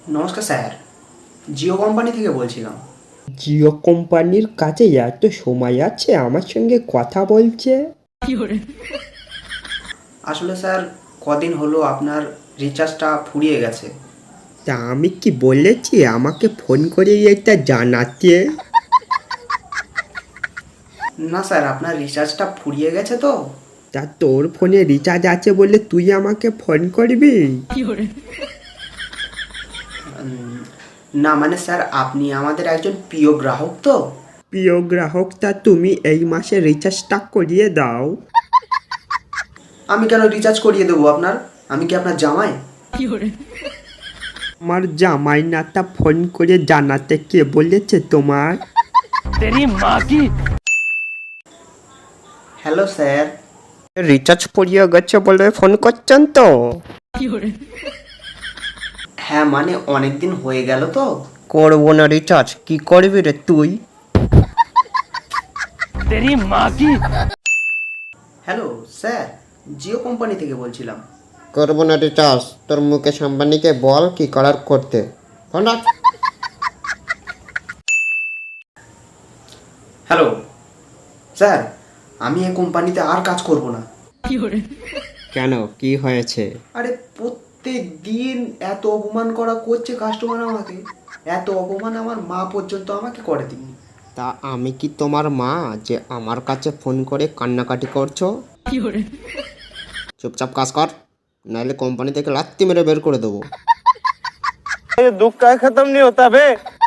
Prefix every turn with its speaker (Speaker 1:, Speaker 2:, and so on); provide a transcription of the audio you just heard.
Speaker 1: নমস্কার sir, Jio company থেকে বলছিলাম।
Speaker 2: জিও কোম্পানির কাছে এত সময় আছে আমার সঙ্গে কথা বলছে?
Speaker 1: আসলে স্যার, কদিন হলো আপনার রিচার্জটা ফুরিয়ে গেছে।
Speaker 2: তা আমি কি বলেছি আমাকে ফোন করে এটা জানাতে?
Speaker 1: না স্যার, আপনার রিচার্জটা ফুরিয়ে গেছে তো।
Speaker 2: তা তোর ফোনে রিচার্জ আছে বলে তুই আমাকে ফোন করবি?
Speaker 1: না মানে স্যার, আপনি আমাদের একজন প্রিয় গ্রাহক তো।
Speaker 2: প্রিয় গ্রাহক, তা তুমি এই মাসে রিচার্জটা করিয়ে দাও।
Speaker 1: আমি কেন রিচার্জ করিয়ে দেবো আপনার? আমি কি আপনার জামাই?
Speaker 2: আমার জামাই না, তা ফোন করে জানাতে কে বলেছে তোমার?
Speaker 1: Hello sir.
Speaker 2: রিচার্জ করিয়ে গেছে বলে ফোন করছেন তো?
Speaker 1: হ্যাঁ মানে অনেক দিন হয়ে গেল তো।
Speaker 2: করবো না রিচার্জ, কি করবি রে তুই?
Speaker 1: হ্যালো স্যার, জিও কোম্পানি থেকে বলছিলাম।
Speaker 3: করবো না রিচার্জ, তোর মুকেশ আম্বানিকে বল কি করার করতে। ফোন রাখ।
Speaker 1: হ্যালো স্যার, আমি এই কোম্পানিতে আর কাজ করব না।
Speaker 2: কেন, কি হয়েছে?
Speaker 1: আরে প্রত্যেক দিন এত অপমান করা করছে কাস্টমার আমাকে। এত অপমান আমার মা পর্যন্ত আমাকে করে দিনি।
Speaker 3: তা আমি কি তোমার মা যে আমার কাছে ফোন করে কান্নাকাটি করছো? চুপচাপ কাজ কর, নাহলে কোম্পানি থেকে লাত্তি মেরে বের করে দেবো।
Speaker 4: ये दुख का खत्म नहीं होता बे।